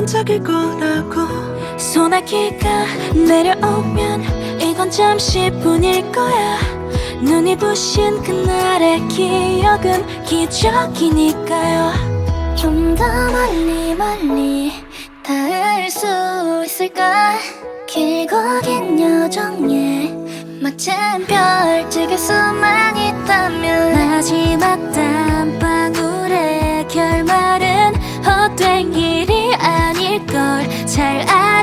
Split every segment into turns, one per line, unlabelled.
반짝일 거라고.
소나기가 내려오면 이건 잠시뿐일 거야. 눈이 부신 그날의 기억은 기적이니까요.
좀 더 멀리 멀리 닿을 수 있을까? 길고 긴 여정에 멋진 별 찍을 수만 있다면
마지막 땀방울의 결말은 헛된 일이 아닐걸 잘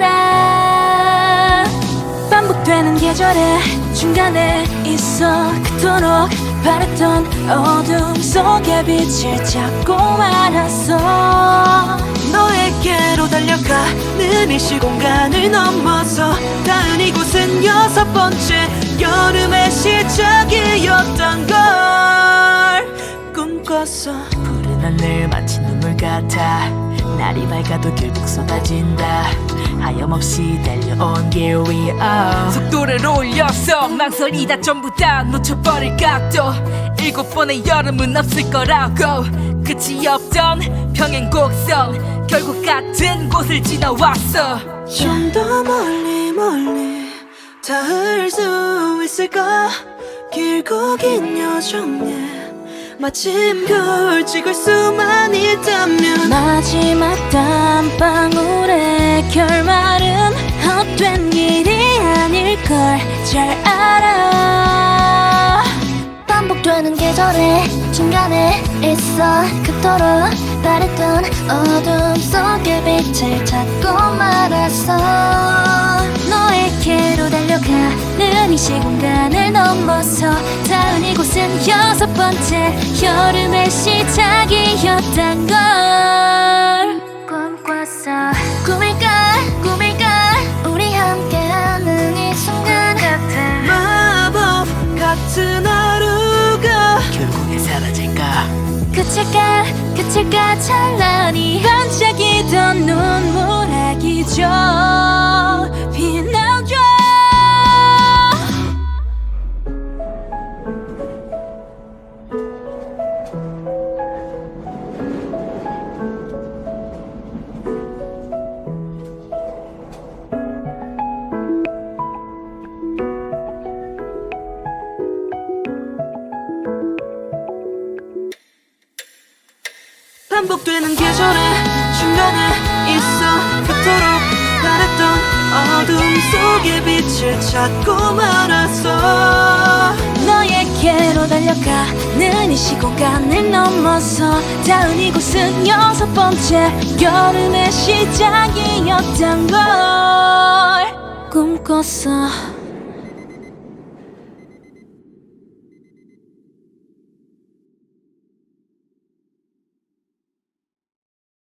알아. 반복되는 계절의 중간에 있어 그토록 바랬던 어둠 속에 빛을 찾고 말았어.
너에게로 달려가는 이 시공간을 넘어서 닿은 이곳은 6번째 여름의 시작이었던 걸 꿈꿨어.
푸른 하늘 마치 눈물 같아. 날이 밝아도 결국 쏟아진다. 하염없이 달려온 길 위에
속도를 올려서 망설이다 전부 다 놓쳐버릴 각도. 7번의 여름은 없을 거라고. 끝이 없던 평행 곡선 결국 같은 곳을 지나왔어.
좀 더 멀리 멀리 닿을 수 있을까? 길고 긴 여정에 마침별 찍을 수만 있다면
마지막 땀방울의 결말은 헛된 일이 아닐걸 잘 알아.
반복되는 계절의 중간에 있어 그토록 바랬던 어둠 속에 빛을 찾고 말았어.
너에게로 달려가는 이 시공간을 넘어서 닿은 이곳은 6번째 여름의 시작이었단 걸 꿈꿨어.
꿈일까 우리 함께하는 이 순간 같은
마법 같은 하루가
결국에 사라질까?
그칠까 찬란히 반짝이던 눈물의 기적 빛나줘.
반복되는 계절의 중간에 있어 그토록 바랬던 어둠 속에 빛을 찾고 말았어.
너에게로 달려가는 이 시공간을 넘어서 닿은 이곳은 6번째 여름의 시작이었단 걸 꿈꿨어.